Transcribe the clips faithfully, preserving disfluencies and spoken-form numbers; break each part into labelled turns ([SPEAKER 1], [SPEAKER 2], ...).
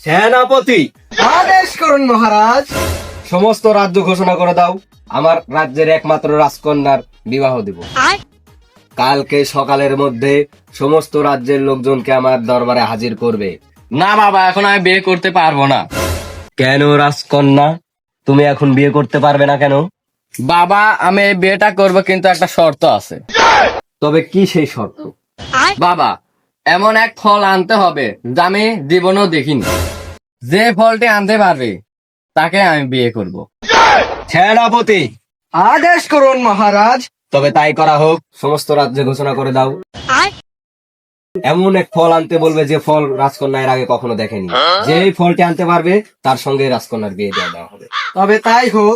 [SPEAKER 1] সেনাপতি,
[SPEAKER 2] আদেশ করুন মহারাজ।
[SPEAKER 1] সমস্ত রাজ্য ঘোষণা করে দাও, আমার রাজ্যের একমাত্র রাজকন্যার বিবাহ দিব। কালকে সকালের মধ্যে সমস্ত রাজ্যের লোকজনকে আমার দরবারে হাজির করবে।
[SPEAKER 3] না বাবা, এখন আমি বিয়ে করতে পারবো না।
[SPEAKER 1] কেন রাজকন্যা, তুমি এখন বিয়ে করতে পারবে না কেন?
[SPEAKER 3] বাবা, আমি এই বিয়েটা করবো, কিন্তু একটা শর্ত আছে।
[SPEAKER 1] তবে কি সেই শর্ত?
[SPEAKER 3] বাবা, এমন এক ফল আনতে হবে যা আমি জীবনেও দেখিনি। যে ফলটি আনতে পারবে তাকে আমি বিয়ে করব।
[SPEAKER 1] সেনাপতি,
[SPEAKER 2] আদেশ করুন মহারাজ।
[SPEAKER 1] তবে তাই করা হোক, সমস্ত রাজ্যে ঘোষণা করে দাও, এমন এক ফল আনতে বলবে যে ফল রাজকন্যা এর আগে কখনো দেখেনি। যে এই ফলটি আনতে পারবে তার সঙ্গে রাজকন্যার বিয়ে দেওয়া দেওয়া হবে।
[SPEAKER 2] তবে তাই হোক।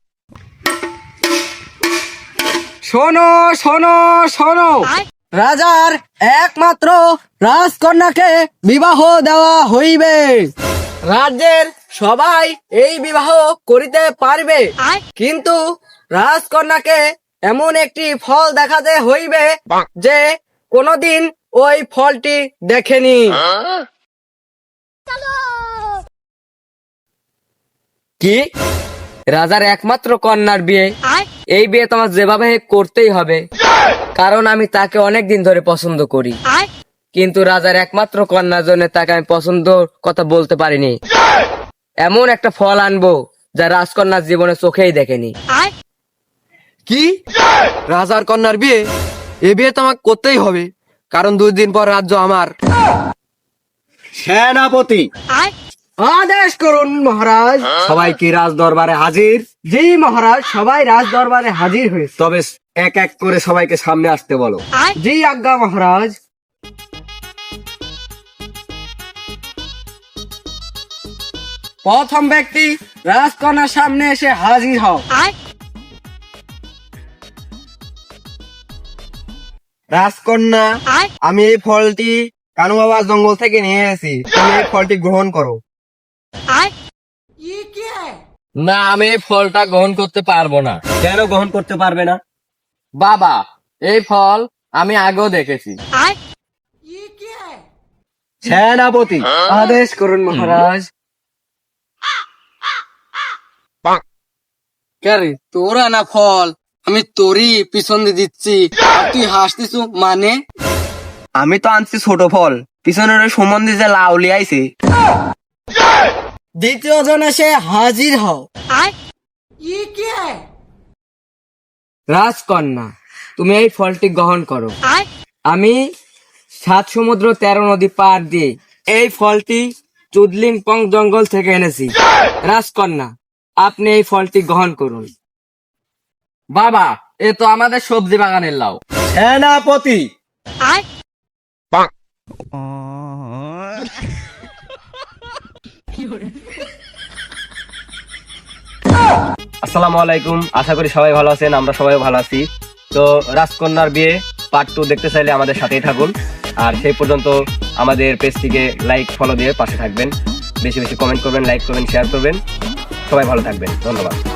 [SPEAKER 2] শোনো শোনো শোনো, রাজার একমাত্র রাজকন্যাকে বিবাহ দেওয়া হইবে। রাজ্যের সবাই এই বিবাহ করিতে পারবে, কিন্তু রাজকন্যাকে এমন একটি ফল দেখাতে হইবে যে কোনদিন ওই ফলটি দেখেনি। কি? রাজার একমাত্র কন্যার বিয়ে? এই বিয়ে তোমার যেভাবে হোক করতেই হবে, কারণ আমি তাকে অনেক দিন ধরে পছন্দ করি। কিন্তু রাজার একমাত্র কন্যার জন্য তাকে আমি পছন্দ কথা বলতে পারিনি। এমন একটা ফল আনবো যা রাজকন্যার জীবনে চোখেই দেখেনি। কি? রাজার কন্যার বিয়ে? এ বিয়ে তোমাকে করতেই হবে, কারণ দুই দিন পর রাজ্য আমার।
[SPEAKER 1] সেনাপতি,
[SPEAKER 2] আদেশ করুন মহারাজ।
[SPEAKER 1] সবাই কি রাজ দরবারে হাজির?
[SPEAKER 2] জি মহারাজ, সবাই রাজ দরবারে হাজির হয়েছে।
[SPEAKER 1] তবে এক এক করে সবাইকে সামনে আসতে বলো।
[SPEAKER 2] জি আজ্ঞা মহারাজ। প্রথম ব্যক্তি রাজকন্যার সামনে এসে হাজির হও। রাজকন্যা, আমি এই ফলটি কানু বাবার জঙ্গল থেকে নিয়ে এসেছি, তুমি এই ফলটি গ্রহণ করো।
[SPEAKER 3] না, আমি এই ফলটা গ্রহণ করতে পারবো না।
[SPEAKER 1] কেন গ্রহণ করতে পারবে না?
[SPEAKER 3] বাবা, এই ফল আমি আগেও দেখেছি।
[SPEAKER 1] সেনাপতি,
[SPEAKER 2] আদেশ করুন মহারাজ।
[SPEAKER 4] ক্যারে তোরা না ফল, আমি তোরই পিছন দিয়ে দিচ্ছি, আর তুই হাসতিস মানে?
[SPEAKER 2] আমি তো আনছি ছোট ফল, পিছনের ওই সম্বন্ধে যে লাউ লিয়াইছে। দ্বিতীয় জন এসে হাজির হও। রাজকন্যা, তুমি এই ফলটি গ্রহণ করো। আমি সাত সমুদ্র তেরো নদী পার দিয়ে এই ফলটি চুদলিংপং জঙ্গল থেকে এনেছি। রাজকন্যা, আপনি এই ফলটি গ্রহণ করুন।
[SPEAKER 3] বাবা, এ তো আমাদের সবজি বাগানের লাউ।
[SPEAKER 1] সেনাপতি, আসসালামু আলাইকুম। আশা করি সবাই ভালো আছেন, আমরা সবাই ভালো আছি। তো রাজকন্যার বিয়ে পার্ট টু দেখতে চাইলে আমাদের সাথেই থাকুন। আর সেই পর্যন্ত আমাদের পেজটিকে লাইক ফলো দিয়ে পাশে থাকবেন। বেশি বেশি কমেন্ট করবেন, লাইক করবেন, শেয়ার করবেন। সবাই ভালো থাকবেন, ধন্যবাদ।